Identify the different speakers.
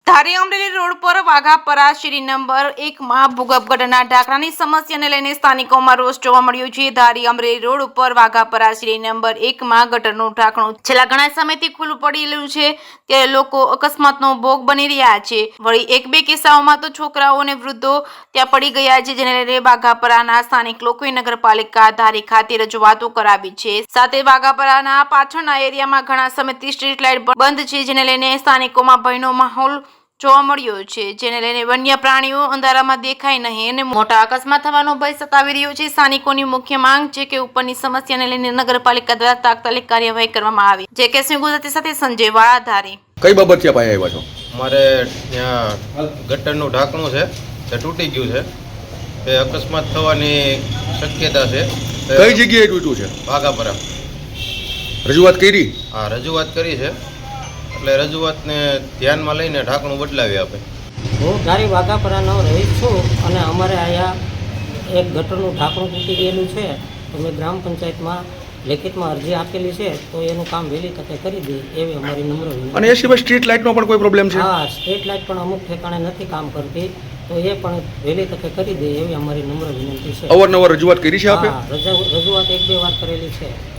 Speaker 1: ધારી Amreli road પર વાઘાપરા શેરી number 1 માં ભૂગર્ભ ગટરના ઢાંકણાની સમસ્યાને લઈને સ્થાનિકોમાં રોષ જોવા મળ્યો છે। ધારી અમરેલી રોડ ઉપર વાઘાપરા શેરી નંબર 1 માં ગટરનું ઢાંકણું છેલ્લા ઘણા સમયથી ખુલ્લું પડેલું છે, ત્યારે લોકો અકસ્માતનો ભોગ બની રહ્યા છે। વળી એક બે કિસ્સાઓમાં તો છોકરાઓ અને વૃદ્ધો ત્યાં પડી ગયા છે, જેને લઈને વાઘાપરાના સ્થાનિક લોકોએ નગરપાલિકા ધારી ખાતે રજૂઆતો કરાવી છે। સાથે વાઘાપરાના પાછળના એરિયામાં ઘણા સમયથી સ્ટ્રીટ લાઇટ બંધ છે, જેને લઈને સ્થાનિકોમાં ભયનો માહોલ જોવા મળ્યો છે, જેને લઈને વન્ય પ્રાણીઓ અંધારામાં દેખાય નહીં અને મોટા અકસ્માત થવાનો ભય સતાવી રહ્યો છે। સ્થાનિકોની મુખ્ય માંગ છે કે ઉપરની સમસ્યાને લઈને નગરપાલિકા દ્વારા તાત્કાલિક કાર્યવાહી કરવામાં આવે। જે કે ગુજરાતી સાથે સંજય વાળા ધારી।
Speaker 2: કઈ બાબત છે પાયા આવ્યા છો?
Speaker 3: મારે ત્યાં ગટરનું ઢાંકણું છે તે તૂટી ગયું છે, તે અકસ્માત થવાની શક્યતા છે।
Speaker 2: કઈ જગ્યાએ તૂટ્યું છે?
Speaker 3: વાઘાપરા।
Speaker 2: રજૂઆત કરી?
Speaker 3: હા, રજૂઆત કરી છે, એટલે રજૂઆતને ધ્યાનમાં લઈને ઢાંકણું બદલાવી આપે।
Speaker 4: હું ધારી વાઘાપરાનો રહીશ છું અને અમારે અહીંયા એક ગટરનું ઢાંકણું તૂટી ગયેલું છે, તો મેં ગ્રામ પંચાયતમાં લેખિતમાં અરજી આપેલી છે, તો એનું કામ વહેલી તકે કરી દે એવી અમારી નમ્ર વિનંતી।
Speaker 2: અને એ સિવાય સ્ટ્રીટ લાઇટનો પણ કોઈ પ્રોબ્લેમ છે?
Speaker 4: હા, સ્ટ્રીટ લાઇટ પણ અમુક ઠેકાણે નથી કામ કરતી, તો એ પણ વહેલી તકે કરી દે એવી અમારી નમ્ર વિનંતી છે।
Speaker 2: અવારનવાર રજૂઆત કરી છે આપે?
Speaker 4: હા, રજૂઆત 1-2 વાર કરેલી છે।